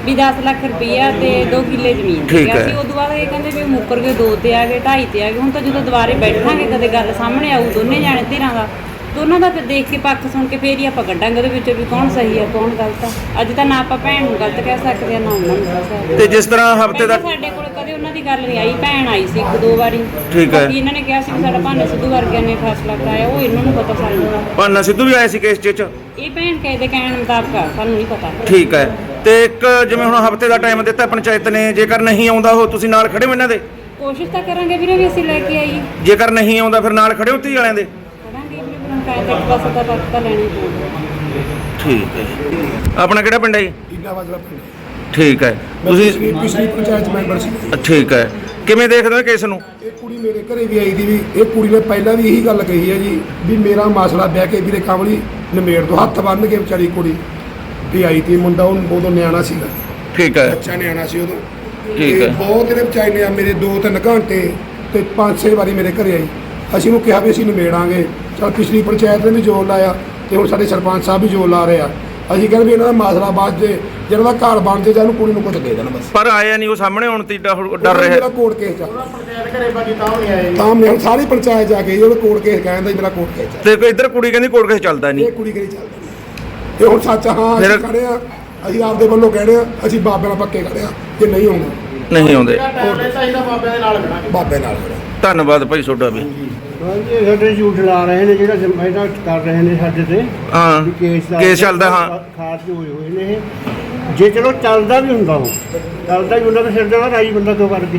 Speaker 5: ਵੀ ਦਸ ਲੱਖ ਰੁਪਈਆ ਤੇ ਦੋ ਕਿੱਲੇ ਜ਼ਮੀਨ
Speaker 1: ਠੀਕ
Speaker 5: ਸੀਗਾ
Speaker 1: ਹੈ।
Speaker 5: ਸੀ। ਉਦੋਂ ਬਾਅਦ ਇਹ ਕਹਿੰਦੇ ਵੀ ਮੁੱਕਰ ਗਏ, ਦੋ ਤੇ ਆ ਗਏ, ਢਾਈ ਤੇ ਆ ਗਏ। ਹੁਣ ਤਾਂ ਜਦੋਂ ਦੁਬਾਰੇ ਬੈਠਾਂਗੇ ਕਦੇ ਗੱਲ ਸਾਹਮਣੇ ਆਊ ਦੋਨੇ ਜਾਣੇ ਧਿਰਾਂ ਦਾ, ਦੋਨਾਂ ਦਾ ਫਿਰ ਦੇਖ ਕੇ ਪੱਖ ਸੁਣ ਕੇ ਫੇਰ ਹੀ ਆਪਾਂ ਕੱਢਾਂਗੇ ਉਹਦੇ ਵਿੱਚੋਂ ਵੀ ਕੌਣ ਸਹੀ ਆ ਕੌਣ ਗਲਤ ਆ। ਅੱਜ ਤਾਂ ਨਾ ਆਪਾਂ ਭੈਣ ਨੂੰ ਗਲਤ ਕਹਿ ਸਕਦੇ ਆ ਨਾ ਉਹਨਾਂ ਨੂੰ ਕਹਿ ਸਕਦੇ।
Speaker 1: ਤੇ ਜਿਸ ਤਰ੍ਹਾਂ ਹਫਤੇ ਦਾ
Speaker 5: ਪਹਿਲਾਂ ਸਾਡੇ ਕੋਲ ਕਦੇ ਉਹਨਾਂ ਦੀ ਗੱਲ ਨਹੀਂ ਆਈ, ਭੈਣ ਆਈ ਸੀ ਇੱਕ ਦੋ ਵਾਰੀ।
Speaker 1: ਠੀਕ ਹੈ।
Speaker 5: ਬਾਕੀ ਇਹਨਾਂ ਨੇ ਕਿਹਾ ਸੀ ਵੀ ਸਾਡਾ ਭਾਨਾ ਸਿੱਧੂ ਵਰਗਿਆਂ ਨੇ ਫੈਸਲਾ ਕਰਾਇਆ, ਉਹ ਇਹਨਾਂ ਨੂੰ ਪਤਾ ਸਾਨੂੰ ਦਾ।
Speaker 1: ਭਾਨਾ ਸਿੱਧੂ ਵੀ ਆਏ ਸੀ ਕੇਸ 'ਚ?
Speaker 5: ਇਹ ਭੈਣ ਕਹੇ ਦੇ ਕਹਿਣ ਮੁਤਾਬਕ ਆ, ਸਾਨੂੰ ਨਹੀਂ ਪਤਾ।
Speaker 1: ਠੀਕ ਹੈ। ਤੇ ਇੱਕ ਜਿਵੇਂ ਹੁਣ ਹਫਤੇ ਦਾ ਟਾਈਮ ਦਿੱਤਾ ਪੰਚਾਇਤ ਨੇ, ਜੇਕਰ ਨਹੀਂ ਆਉਂਦਾ ਉਹ ਤੁਸੀਂ ਨਾਲ ਖੜੇ ਹੋ ਇਹਨਾਂ ਦੇ?
Speaker 5: ਕੋਸ਼ਿਸ਼ ਤਾਂ ਕਰਾਂਗੇ ਵੀਰੇ ਵੀ ਅਸੀਂ ਲੈ ਕੇ ਆਈਏ।
Speaker 1: ਜੇਕਰ ਨਹੀਂ ਆਉਂਦਾ ਫਿਰ ਨਾਲ ਖੜੇ ਹੋ ਧੀ ਵਾਲਿਆਂ ਦੇ?
Speaker 5: ਕਰਾਂਗੇ ਵੀਰੇ, ਫਿਰ ਪੰਚਾਇਤ ਇੱਕ ਪਾਸੇ ਤਾਂ ਵਕਤ ਤਾਂ ਲੈਣੀ ਪਊਗੀ।
Speaker 1: ਠੀਕ ਹੈ ਜੀ। ਆਪਣਾ ਕਿਹੜਾ ਪਿੰਡ ਹੈ ਜੀ?
Speaker 3: ਇੰਨਾ ਵਾਜਲਾ ਪਿੰਡ
Speaker 1: ਠੀਕ ਹੈ।
Speaker 3: ਤੁਸੀਂ
Speaker 1: ਤੁਸੀਂ
Speaker 3: ਪਿਛਲੀ ਪੰਚਾਇਤ ਮੈਂਬਰ ਸੀ।
Speaker 1: ਠੀਕ ਹੈ। ਕਿਵੇਂ ਦੇਖਦੇ ਹੋ ਕੇਸ ਨੂੰ?
Speaker 3: ਇਹ ਕੁੜੀ ਮੇਰੇ ਘਰੇ ਵੀ ਆਈ ਦੀ ਵੀ ਇਹ ਕੁੜੀ ਨੇ ਪਹਿਲਾਂ ਵੀ ਇਹੀ ਗੱਲ ਕਹੀ ਹੈ ਜੀ ਵੀ ਮੇਰਾ ਮਸਲਾ ਬਹਿ ਕੇ ਵੀਰੇ ਕਮਲੀ ਨਿਮੇੜ ਤੋਂ ਹੱਥ ਬੰਨ੍ਹ ਕੇ ਵਿਚਾਰੀ ਕੁੜੀ ਵੀ ਆਈ ਤੀ। ਮੁੰਡਾ ਉਹ ਉਦੋਂ ਨਿਆਣਾ ਸੀਗਾ,
Speaker 1: ਠੀਕ ਹੈ।
Speaker 3: ਬੱਚਾ ਨਿਆਣਾ ਸੀ ਉਦੋਂ।
Speaker 1: ਠੀਕ
Speaker 3: ਤੇ
Speaker 1: ਹੈ।
Speaker 3: ਬਹੁਤ ਇਹਨੇ ਵਿਚਾਰੀ ਨੇ ਮੇਰੇ ਦੋ ਤਿੰਨ ਘੰਟੇ ਤੇ ਪੰਜ ਛੇ ਵਾਰੀ ਮੇਰੇ ਘਰੇ ਆਈ। ਅਸੀਂ ਉਹਨੂੰ ਕਿਹਾ ਵੀ ਅਸੀਂ ਨਿਬੇੜਾਂਗੇ। ਚਲ ਪਿਛਲੀ ਪੰਚਾਇਤ ਨੇ ਵੀ ਜ਼ੋਰ ਲਾਇਆ ਤੇ ਹੁਣ ਸਾਡੇ ਸਰਪੰਚ ਸਾਹਿਬ ਵੀ ਜ਼ੋਰ ਲਾ ਰਹੇ ਆ। ਅਸੀਂ ਕਹਿੰਦੇ ਵੀ ਇਹਨਾਂ ਦਾ ਮਸਲਾ ਬਾਅਦ ਜੇ ਜਿਹਨਾਂ ਦਾ ਘਰ ਬਣ ਜੇ ਜਾਂ ਉਹਨੂੰ ਕੁੜੀ ਨੂੰ ਕੁਝ ਦੇ ਦੇਣ ਬਸ।
Speaker 1: ਪਰ ਆਇਆ ਨਹੀਂ ਉਹ ਸਾਹਮਣੇ ਆਉਣ ਤੇ ਡਰ ਡਰ
Speaker 3: ਮੇਰਾ
Speaker 1: ਰਿਹਾ।
Speaker 3: ਕੋਰਟ ਕੇਸ ਚੱਲ
Speaker 10: ਪੰਚਾਇਤ ਘਰੇ ਬਾਕੀ ਤਾਂ ਨਹੀਂ ਆਏ।
Speaker 3: ਤਾਂ ਮੈਂ ਸਾਰੀ ਪੰਚਾਇਤ ਜਾ ਕੇ ਉਹਦਾ ਕੋਰਟ ਕੇਸ ਕਹਿੰਦਾ ਜੀ ਮੇਰਾ ਕੋਰਟ ਕੇਸ ਚੱਲ।
Speaker 1: ਤੇ ਕੋਈ ਇੱਧਰ ਕੁੜੀ ਕਹਿੰਦੀ ਕੋਰਟ ਕੇਸ ਚੱਲਦਾ ਨਹੀਂ।
Speaker 3: ਇਹ ਕੁੜੀ ਕਰੀ ਚੱਲਦੀ ਨਹੀਂ। ਇਹ ਹੁਣ ਸੱਚ ਹਾਂ ਅਸੀਂ
Speaker 1: ਫਿਰ-
Speaker 3: ਖੜੇ ਆ, ਅਸੀਂ ਆਪਦੇ ਵੱਲੋਂ ਕਹਿੰਦੇ ਆ, ਅਸੀਂ ਬਾਬੇ ਨਾਲ ਪੱਕੇ ਖੜੇ ਆ ਕਿ ਨਹੀਂ ਆਉਂਦਾ
Speaker 1: ਨਹੀਂ ਆਉਂਦੇ।
Speaker 10: ਟਾਈਮ ਚਾਹੀਦਾ ਬਾਬਿਆਂ ਦੇ ਨਾਲ ਖੜਾਂਗੇ।
Speaker 3: ਬਾਬੇ ਨਾਲ ਖੜੇ।
Speaker 1: ਧੰਨਵਾਦ ਭਾਈ ਤੁਹਾਡਾ ਵੀ।
Speaker 9: ਹਾਂਜੀ ਸਾਡੇ ਝੂਠ ਲਾ ਰਹੇ ਨੇ, ਜਿਹੜਾ ਇਹਦਾ ਕਰ ਰਹੇ ਨੇ ਸਾਡੇ ਤੇ
Speaker 1: ਹਾਂ
Speaker 9: ਵੀ ਕੇਸ ਦਾ-
Speaker 1: ਕੇਸ ਚੱਲਦਾ। ਹਾਂ
Speaker 9: ਖਾਰਜ ਹੋਏ ਹੋਏ ਨੇ ਇਹ। ਜੇ ਚਲੋ ਚੱਲਦਾ ਵੀ ਹੁੰਦਾ ਉਹ ਚੱਲਦਾ ਵੀ ਹੁੰਦਾ ਤਾਂ ਸਿਰ ਦਾ ਰਾਈ ਬੰਦਾ ਕਿਉਂ ਕਰ ਗਏ।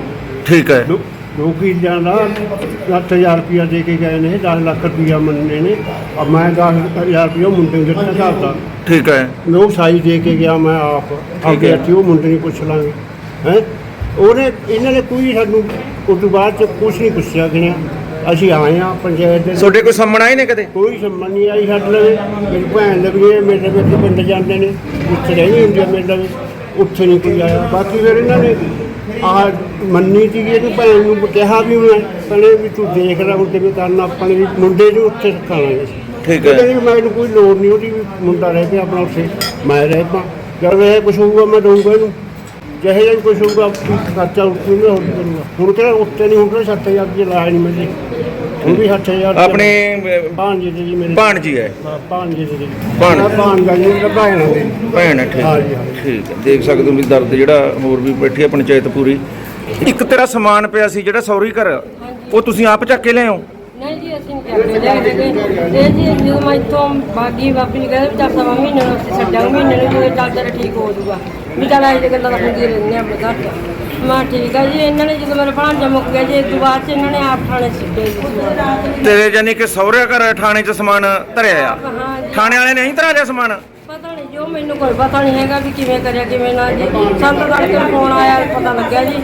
Speaker 1: ਠੀਕ ਹੈ।
Speaker 9: ਲੋ- ਲੋਕੀ ਜਾਂਦਾ ਅੱਠ ਹਜ਼ਾਰ ਰੁਪਇਆ ਦੇ ਕੇ ਗਏ ਨੇ, ਦਸ ਲੱਖ ਰੁਪਇਆ ਮੰਨੇ ਨੇ। ਅਬ ਮੈਂ ਦਸ ਹਜ਼ਾਰ ਰੁਪਇਆ ਮੁੰਡੇ ਨੂੰ ਦਿੱਤਾ ਘਰ
Speaker 1: ਠੀਕ ਹੈ।
Speaker 9: ਲੋਕ ਸਾਈ ਦੇ ਕੇ ਗਿਆ, ਮੈਂ ਆਪ ਆਪੇ ਹੱਥੀਂ ਉਹ ਮੁੰਡੇ ਨੂੰ ਪੁੱਛ ਲਾਂਗੇ ਹੈ। ਉਹਨੇ ਇਹਨਾਂ ਨੇ ਕੋਈ ਸਾਨੂੰ ਉਸ ਤੋਂ ਬਾਅਦ ਚ ਕੁਛ ਨਹੀਂ ਪੁੱਛਿਆ ਗਿਆ। ਅਸੀਂ ਆਏ ਆ ਪੰਚਾਇਤ ਦੇ,
Speaker 1: ਤੁਹਾਡੇ ਕੋਈ ਸੰਮਣ ਆਏ ਨੇ ਕਦੇ?
Speaker 9: ਕੋਈ ਸੰਮਨ ਨਹੀਂ ਆਈ ਸਾਡੇ ਲਵੇ। ਮੇਰੀ ਭੈਣ ਦੇ ਵੀ ਇਹ ਮੇਰੇ ਵਿੱਚ ਪਿੰਡ ਜਾਂਦੇ ਨੇ, ਉੱਥੇ ਰਹਿੰਦੀ ਹੁੰਦੀ ਆ ਮੇਰੇ ਲਵੇ, ਉੱਥੇ ਨਹੀਂ ਕੋਈ ਆਇਆ। ਬਾਕੀ ਫਿਰ ਇਹਨਾਂ ਨੇ ਆਹ ਮੰਨੀ ਸੀਗੀ ਇਹਨੂੰ ਭੈਣ ਨੂੰ ਕਿਹਾ ਵੀ ਮੈਂ ਕਹਿੰਦੇ ਵੀ ਤੂੰ ਦੇਖ ਲੈ ਹੁਣ ਕਿਵੇਂ ਕਰਨਾ, ਆਪਣੇ ਵੀ ਮੁੰਡੇ ਨੂੰ ਉੱਥੇ ਰੱਖਾਂਗੇ।
Speaker 1: ਠੀਕ ਹੈ।
Speaker 9: ਕਹਿੰਦੇ ਵੀ ਮੈਨੂੰ ਕੋਈ ਲੋੜ ਨਹੀਂ ਉਹਦੀ, ਵੀ ਮੁੰਡਾ ਰਹਿ ਪਿਆ ਆਪਣਾ ਉੱਥੇ, ਮੈਂ ਰਹਿ ਪਾ। ਜਦ ਇਹ ਕੁਛ ਹੋਊਗਾ ਮੈਂ ਦਊਂਗਾ ਇਹਨੂੰ, ਜਿਹੇ ਜਿਹਾ ਕੁਛ ਹੋਊਗਾ ਖਰਚਾ ਉੱਥੇ ਨਹੀਂ ਹੋਰ ਕਰੂਗਾ। ਹੁਣ ਕਿਹੜਾ ਉੱਥੇ ਨਹੀਂ, ਹੁਣ ਕਿਹੜਾ ਸੱਤ ਹਜ਼ਾਰ ਰੁਪਏ ਲਾਇਆ ਨਹੀਂ ਮੇਰੇ, ਹੁਣ ਵੀ ਸੱਤ ਹਜ਼ਾਰ
Speaker 1: ਆਪਣੇ
Speaker 9: ਭਾਣਜੇ ਦੇ ਜੀ ਮੇਰੇ
Speaker 1: ਭਾਣਜੀ ਹੈ।
Speaker 9: ਹਾਂ, ਭਾਣਜੇ ਦੇ ਜੀ
Speaker 1: ਭਾਣ-
Speaker 9: ਭਾਣ ਭਾਣਜਾ ਜੀ ਮੇਰਾ ਭੈਣ ਆ ਮੇਰੀ।
Speaker 1: ਭੈਣ ਹੈ। ਠੀਕ
Speaker 9: ਹਾਂਜੀ, ਹਾਂਜੀ।
Speaker 1: ਠੀਕ ਹੈ। ਦੇਖ ਸਕਦੇ ਹੋ ਵੀ ਦਰਦ ਜਿਹੜਾ ਹੋਰ ਵੀ ਬੈਠੀ ਹੈ ਪੰਚਾਇਤ ਪੂਰੀ। ਇੱਕ ਤੇਰਾ ਸਮਾਨ ਪਿਆ ਸੀ ਜਿਹੜਾ ਸੌਰੀ ਘਰ, ਉਹ ਤੁਸੀਂ ਆਪ ਚੱਕ ਕੇ ਲਿਆਓ?
Speaker 2: ਨਹੀਂ ਜੀ ਅਸੀਂ ਨਹੀਂ ਕਰਦੇ ਹੈਗੇ। ਇਹ ਜੀ ਜਦੋਂ ਮੈਂ ਇੱਥੋਂ ਬਾਗੀ ਬਾਪੀ ਨੂੰ ਕਹਿੰਦੇ ਵੀ ਚੱਲ ਸਵਾ ਮਹੀਨੇ ਨੂੰ ਅਸੀਂ ਛੱਡਾਂਗੇ, ਮਹੀਨੇ ਨੂੰ ਜਦੋਂ ਚੱਲ ਤੇਰਾ ਠੀਕ ਹੋ ਜਾਊਗਾ ਵੀ ਚੱਲ ਇਹੋ ਜਿਹੀ ਗੱਲਾਂ ਤਾਂ ਹੁੰਦੀਆਂ ਰਹਿੰਦੀਆਂ ਆਪਣੇ ਘਰ 'ਚ। ਮੈਂ ਠੀਕ ਆ ਜੀ। ਇਹਨਾਂ ਨੇ ਜਦੋਂ ਮੇਰਾ ਭਾਂਜਾ ਮੁੱਕ ਗਿਆ ਜੀ ਇਸ ਤੋਂ ਬਾਅਦ 'ਚ ਇਹਨਾਂ ਨੇ ਆਪ ਥਾਣੇ ਸਿੱਟੇ ਜੀ।
Speaker 1: ਤੇਰੇ ਜਾਨੀ ਕਿ ਸਹੁਰੇ ਘਰ ਥਾਣੇ 'ਚ ਸਮਾਨ ਧਰਿਆ ਆ?
Speaker 2: ਹਾਂ ਜੀ।
Speaker 1: ਥਾਣੇ ਵਾਲੇ ਨੇ ਨਹੀਂ ਧਰਿਆ ਲਿਆ ਸਮਾਨ?
Speaker 2: ਪਤਾ ਨਹੀਂ ਜੋ ਮੈਨੂੰ ਕੋਈ ਪਤਾ ਨਹੀਂ ਹੈਗਾ ਵੀ ਕਿਵੇਂ ਕਰਿਆ ਕਿਵੇਂ ਨਾ ਜੀ। ਸਾਨੂੰ ਤਾਂ ਤੜਕੇ ਫੋਨ ਆਇਆ ਪਤਾ ਲੱਗਿਆ ਜੀ।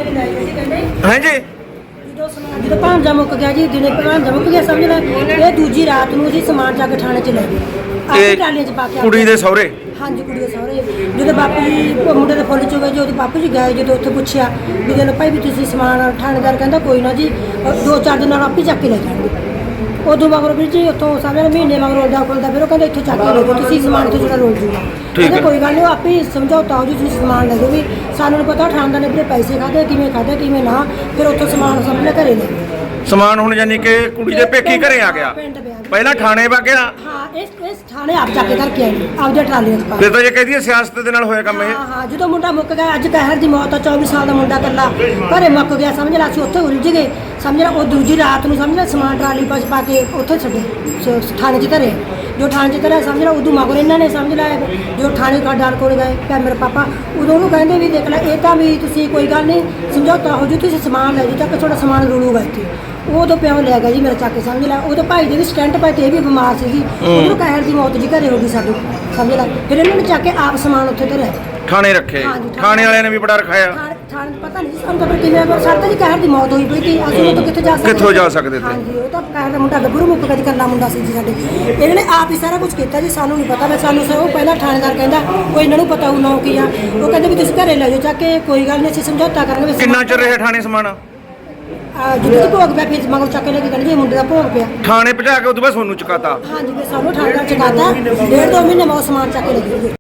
Speaker 1: ਹਾਂਜੀ।
Speaker 12: ਜਦੋਂ ਸਮਾਨ ਜਦੋਂ ਭਾਂਜਾ ਮੁੱਕ ਗਿਆ ਜੀ, ਦਿਨੇ ਭਾਂਜਾ ਮੁੱਕ ਗਿਆ ਸਮਝ ਲੈ। ਇਹ ਦੂਜੀ ਰਾਤ ਨੂੰ ਅਸੀਂ ਸਮਾਨ ਚੱਕ ਥਾਣੇ 'ਚ ਲੈ ਗਏ, ਆਪੇ ਟਰਾਲੀਆਂ 'ਚ ਪਾ ਕੇ।
Speaker 1: ਕੁੜੀ ਦੇ ਸਹੁਰੇ?
Speaker 12: ਹਾਂਜੀ ਕੁੜੀ ਦੇ ਸਹੁਰੇ। ਜਦੋਂ ਬਾਪੂ ਜੀ ਉਹ ਮੁੰਡੇ ਦੇ ਫੁੱਲ ਚ ਗਏ, ਜਦੋਂ ਬਾਪੂ ਜੀ ਗਏ, ਜਦੋਂ ਉੱਥੇ ਪੁੱਛਿਆ ਵੀ ਦੇ ਲੋ ਭਾਈ ਵੀ ਤੁਸੀਂ ਸਮਾਨ, ਥਾਣੇਦਾਰ ਕਹਿੰਦਾ ਕੋਈ ਨਾ ਜੀ ਦੋ ਚਾਰ ਦਿਨ ਨਾਲ ਆਪੇ ਚੱਕ ਕੇ ਲੈ ਜਾਣਗੇ। ਉਦੋਂ ਮਗਰੋਂ ਵੀ ਜੀ ਉੱਥੋਂ ਸਾਰੇ ਮਹੀਨੇ ਮਗਰੋਂ ਰੋਲਦਾ ਖੁੱਲਦਾ, ਫਿਰ ਉਹ ਕਹਿੰਦੇ ਇੱਥੋਂ ਚੱਕ ਕੇ ਲੈ ਜਾਓ ਤੁਸੀਂ ਸਮਾਨ ਤੋਂ ਜਿਹੜਾ ਰੋਲ ਜੂਗਾ। ਕਹਿੰਦੇ ਕੋਈ ਗੱਲ ਨਹੀਂ, ਉਹ ਆਪੇ ਸਮਝੌਤਾ ਹੋ ਜੀ, ਤੁਸੀਂ ਸਮਾਨ ਲੈ ਜਾਓ। ਵੀ ਸਾਨੂੰ ਨਹੀਂ ਪਤਾ ਥਾਣੇਦਾਰ ਨੇ ਆਪਣੇ ਪੈਸੇ ਖਾਦੇ ਕਿਵੇਂ ਖਾਦੇ ਕਿਵੇਂ ਨਾ, ਫਿਰ ਉੱਥੋਂ ਸਮਾਨ ਸਾਹਮਣੇ ਘਰੇ ਲੈ ਗਏ।
Speaker 1: ਸਮਾਨ ਹੁਣ ਜਾਨੀ ਕਿ ਕੁੜੀ ਦੇ ਪੇਕੀ ਘਰੇ ਆ ਗਿਆ, ਪਹਿਲਾਂ ਥਾਣੇ ਵਾ ਗਿਆ।
Speaker 12: ਹਾਂ ਇਸ ਇਸ ਥਾਣੇ ਆਪ ਜਾ ਕੇ ਧਰ ਕੇ ਆਏ ਆਪਦੇ ਟਰਾਲੀਆਂ 'ਚ ਪਾ ਕੇ।
Speaker 1: ਫਿਰ ਤਾਂ ਜੇ ਕਹਦੀ ਸਿਆਸਤ ਦੇ ਨਾਲ ਹੋਇਆ ਕੰਮ ਇਹ।
Speaker 12: ਹਾਂ ਹਾਂ ਜਦੋਂ ਮੁੰਡਾ ਮੁੱਕ ਗਿਆ, ਅੱਜ ਕਹਿਰ ਦੀ ਮੌਤ ਆ, ਚੌਵੀ ਸਾਲ ਦਾ ਮੁੰਡਾ ਇਕੱਲਾ ਘਰੇ ਮੁੱਕ ਗਿਆ ਸਮਝ ਲਾ। ਅਸੀਂ ਉੱਥੇ ਉਲਝ ਗਏ ਸਮਝ ਲਾ। ਉਹ ਦੂਜੀ ਰਾਤ ਨੂੰ ਸਮਝ ਲਾ ਸਮਾਨ ਟਰਾਲੀ ਵਿੱਚ ਪਾ ਕੇ ਉੱਥੇ ਛੱਡੇ ਸ- ਥਾਣੇ 'ਚ ਧਰੇ। ਜੋ ਥਾਣੇ 'ਚ ਧਰਿਆ ਸਮਝ ਲਾ, ਉਦੋਂ ਮਗਰ ਇਹਨਾਂ ਨੇ ਸਮਝ ਲਾਇਆ ਜੋ ਥਾਣੇ ਖੜਦਾਰ ਕੋਲ ਗਏ ਪਿਆ ਮੇਰੇ ਪਾਪਾ, ਉਦੋਂ ਉਹਨੂੰ ਕਹਿੰਦੇ ਵੀ ਦੇਖ ਲੈ ਇਹ ਤਾਂ ਵੀ ਤੁਸੀਂ ਕੋਈ ਗੱਲ ਨਹੀਂ ਸਮਝੌਤਾ ਹੋ ਜੂ, ਤੁਸੀਂ ਸਮਾਨ ਲੈ ਜਾਓ ਚੱਕ ਤੁਹਾਡਾ ਸਮਾਨ ਰੁਲੂਗਾ ਇੱਥੇ। ਉਦੋਂ ਪਿਓ ਲੈ ਗਿਆ ਜੀ ਮੇਰਾ ਚੱਕ ਕੇ ਸਮਝ ਲਾ। ਉਹਦੇ ਭਾਈ ਦੇ ਵੀ ਸਟੈਂਟ ਪਏ ਤੇ ਇਹ ਵੀ ਬਿਮਾਰ ਸੀਗੀ, ਉਹਨੂੰ ਕਹਿਰ ਦੀ ਮੌਤ ਜੀ ਘਰੇ ਹੋ ਗਈ ਸਾਡੀ ਸਮਝ ਲਾ। ਫਿਰ ਇਹਨਾਂ ਨੇ ਚੱਕ ਕੇ ਆਪ ਸਮਾਨ ਉੱਥੇ ਧਰਿਆ,
Speaker 1: ਥਾਣੇ ਰੱਖੇ। ਥਾਣੇ ਵਾਲਿਆਂ ਨੇ ਵੀ ਬੜਾ ਰਖਾਇਆ।
Speaker 12: ਥਾਣੇ ਪਤਾ ਨਹੀਂ ਸਾਨੂੰ ਤਾਂ ਫਿਰ ਕਿਵੇਂ ਸਰਤਾ ਜੀ ਕਹਿਰ ਦੀ ਮੌਤ ਹੋਈ ਪਈ ਸੀ, ਅਸੀਂ ਉਹ ਤੋਂ ਕਿੱਥੇ ਜਾ ਸਕਦੇ
Speaker 1: ਕਿੱਥੋਂ ਜਾ ਸਕਦੇ ਤੇ?
Speaker 12: ਹਾਂਜੀ ਉਹ ਤਾਂ ਕਹਿਰ ਦਾ ਮੁੰਡਾ ਗੱਭਰੂ ਮੁੱਕ ਗਿਆ ਜੀ, ਇਕੱਲਾ ਮੁੰਡਾ ਸੀ ਜੀ ਸਾਡੇ। ਇਹਨਾਂ ਨੇ ਆਪ ਹੀ ਸਾਰਾ ਕੁਝ ਕੀਤਾ ਜੀ, ਸਾਨੂੰ ਨਹੀਂ ਪਤਾ। ਮੈਂ ਸਾਨੂੰ ਉਹ ਪਹਿਲਾਂ ਥਾਣੇਦਾਰ ਕਹਿੰਦਾ ਕੋਈ ਇਹਨਾਂ ਨੂੰ ਪਤਾ ਹੋਊ ਨਾ ਕੀ ਆ, ਉਹ ਕਹਿੰਦੇ ਵੀ ਤੁਸੀਂ ਘਰੇ ਲੈ ਜਾਓ ਚੱਕ ਕੇ, ਕੋਈ ਗੱਲ ਨਹੀਂ ਅਸੀਂ ਸਮਝੌਤਾ ਕਰਾਂਗੇ।
Speaker 1: ਕਿੰਨਾ ਚਿਰ ਰਿਹਾ ਥਾਣੇ ਸਮਾਨ?
Speaker 12: ਜਦੋਂ ਭੋਗ ਪਿਆ ਫਿਰ ਮਗਰ ਚੱਕ ਕੇ ਲੈ ਕੇ ਕਹਿੰਦੇ ਜੀ ਮੁੰਡੇ ਦਾ ਭੋਗ ਪਿਆ।
Speaker 1: ਥਾਣੇ ਭਜਾ ਕੇ ਉਦੋਂ ਬਾਅਦ ਸੋਨੂੰ ਚੁਕਾਤਾ?
Speaker 12: ਹਾਂਜੀ ਫਿਰ ਸਾਨੂੰ ਥਾਣੇਦਾਰ ਚਕਾਤਾ, ਡੇਢ ਦੋ ਮਹੀਨੇ ਮਗਰ ਸਮਾਨ ਚੱਕ ਕੇ ਲੈ ਗਏ।